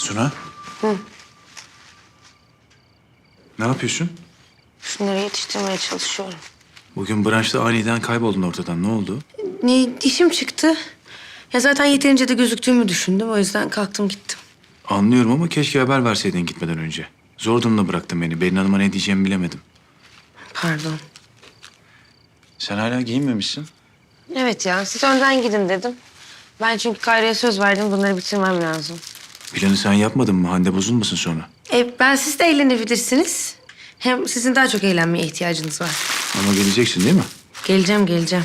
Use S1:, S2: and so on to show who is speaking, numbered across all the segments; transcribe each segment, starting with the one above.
S1: Suna.
S2: Hı.
S1: Ne yapıyorsun?
S2: Şunları yetiştirmeye çalışıyorum.
S1: Bugün branşta aniden kayboldun ortadan. Ne oldu?
S2: İşim çıktı. Ya zaten yeterince de gözüktüğümü düşündüm. O yüzden kalktım gittim.
S1: Anlıyorum ama keşke haber verseydin gitmeden önce. Zor durumda bıraktın beni. Berin Hanım'a ne diyeceğimi bilemedim.
S2: Pardon.
S1: Sen hala giyinmemişsin.
S2: Evet ya, siz önden gidin dedim. Ben çünkü Kayra'ya söz verdim. Bunları bitirmem lazım.
S1: Planı sen yapmadın mı? Hande bozulmasın sonra.
S2: Ben siz de eğlenebilirsiniz. Hem sizin daha çok eğlenmeye ihtiyacınız var.
S1: Ama geleceksin değil mi?
S2: Geleceğim.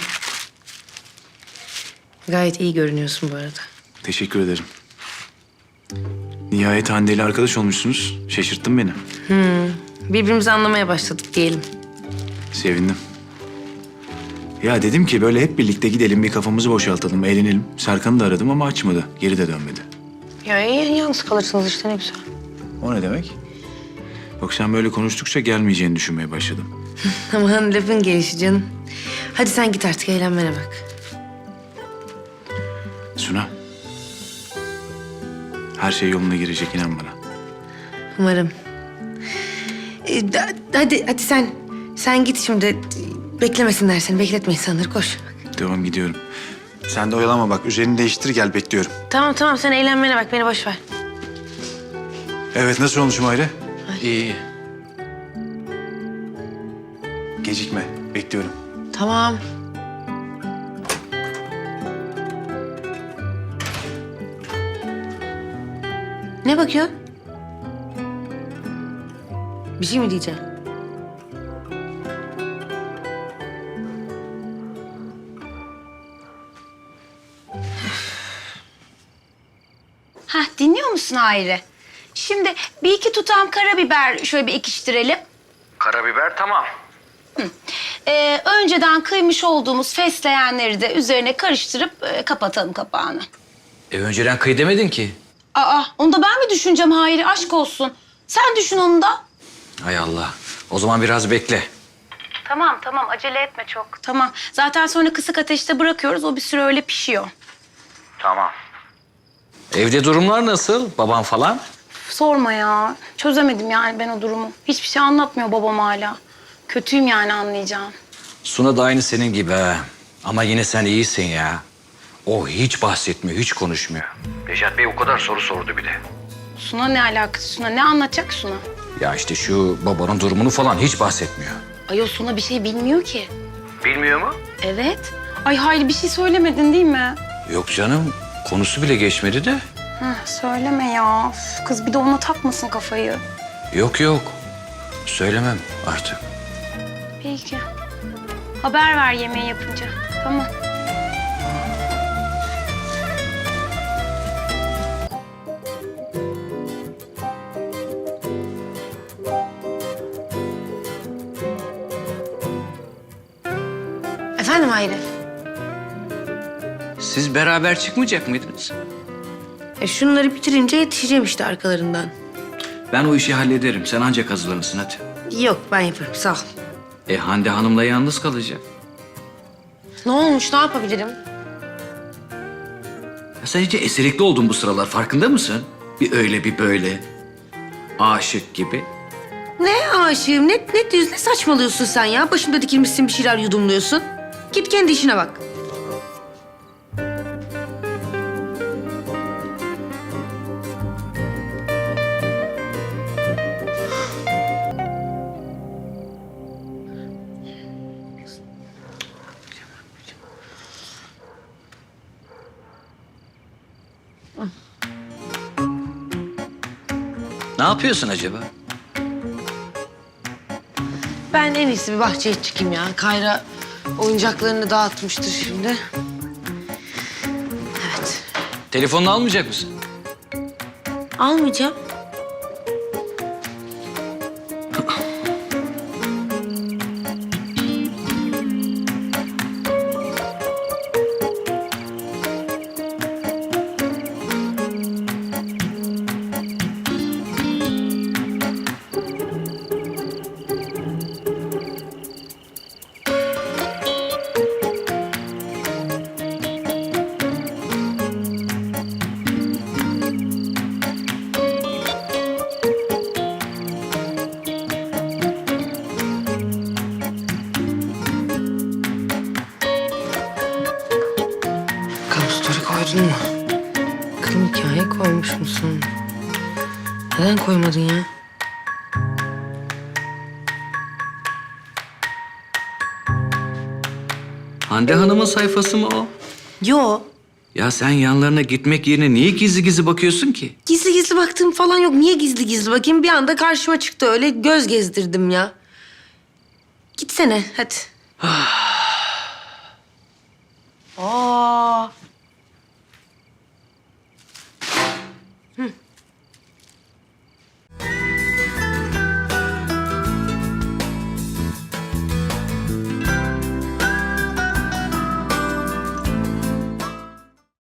S2: Gayet iyi görünüyorsun bu arada.
S1: Teşekkür ederim. Nihayet Hande ile arkadaş olmuşsunuz. Şaşırttın beni.
S2: Birbirimizi anlamaya başladık diyelim.
S1: Sevindim. Ya dedim ki böyle hep birlikte gidelim, bir kafamızı boşaltalım, eğlenelim. Serkan'ı da aradım ama açmadı. Geri de dönmedi.
S2: Ya iyi, yalnız kalırsınız işte, ne güzel.
S1: O ne demek? Yok, sen böyle konuştukça gelmeyeceğini düşünmeye başladım.
S2: Aman lafın gelişi canım. Hadi sen git artık, eğlenmene bak.
S1: Suna. Her şey yoluna girecek, inan bana.
S2: Umarım. Hadi sen git şimdi. Beklemesinler seni, bekletme insanları, koş.
S1: Tamam, gidiyorum. Sen de oyalama bak. Üzerini değiştir, gel, bekliyorum.
S2: Tamam, sen eğlenmene bak, beni boş ver.
S1: Evet, nasıl olmuş Mahire? İyi. Gecikme, bekliyorum.
S2: Tamam. Ne bakıyorsun? Bir şey mi diyeceğim?
S3: Hah, dinliyor musun Hayri? Şimdi bir iki tutam karabiber şöyle bir ekiştirelim.
S4: Karabiber tamam.
S3: Önceden kıymış olduğumuz fesleğenleri de üzerine karıştırıp kapatalım kapağını.
S4: Önceden kıy demedin ki.
S3: Aa, onu da ben mi düşüneceğim Hayri? Aşk olsun. Sen düşün onu da.
S4: Hay Allah. O zaman biraz bekle.
S3: Tamam, acele etme çok. Tamam, zaten sonra kısık ateşte bırakıyoruz. O bir süre öyle pişiyor.
S4: Tamam. Evde durumlar nasıl? Baban falan?
S3: Sorma ya. Çözemedim yani ben o durumu. Hiçbir şey anlatmıyor babam hala. Kötüyüm yani, anlayacağım.
S4: Suna da aynı senin gibi ha. Ama yine sen iyisin ya. O hiç bahsetmiyor, hiç konuşmuyor. Necat Bey o kadar soru sordu bile.
S3: Suna ne alakası? Suna ne anlatacak Suna?
S4: Ya işte şu babanın durumunu falan hiç bahsetmiyor.
S3: Ay o Suna bir şey bilmiyor ki.
S4: Bilmiyor mu?
S3: Evet. Ay Hayri, bir şey söylemedin değil mi?
S4: Yok canım, konusu bile geçmedi de.
S3: Söyleme ya. Üf, kız bir de ona takmasın kafayı.
S4: Yok. Söylemem artık.
S3: Peki. Haber ver yemeği yapınca. Tamam.
S2: Efendim Hayri?
S4: Siz beraber çıkmayacak mıydınız?
S2: Şunları bitirince yetişeceğim işte arkalarından.
S4: Ben o işi hallederim. Sen ancak hazırlanırsın hadi.
S2: Yok, ben yaparım, sağ ol.
S4: Hande Hanım'la yalnız kalacak.
S2: Ne olmuş, ne yapabilirim?
S4: Ya sen iyice eserikli oldun bu sıralar. Farkında mısın? Bir öyle bir böyle. Aşık gibi.
S2: Ne aşığım, ne saçmalıyorsun sen ya? Başımda dikilmişsin, bir şeyler yudumluyorsun. Git kendi işine bak.
S4: Ne yapıyorsun acaba?
S2: Ben en iyisi bir bahçeye çıkayım ya. Kayra oyuncaklarını dağıtmıştır şimdi. Evet.
S4: Telefonunu almayacak mısın?
S2: Almayacağım. musun? Kırım hikaye koymuş musun? Neden koymadın ya?
S4: Hande Hanım'ın sayfası mı o?
S2: Yo.
S4: Ya sen yanlarına gitmek yerine niye gizli gizli bakıyorsun ki?
S2: Gizli gizli baktığım falan yok. Niye gizli gizli bakayım? Bir anda karşıma çıktı öyle göz gezdirdim ya. Gitsene hadi.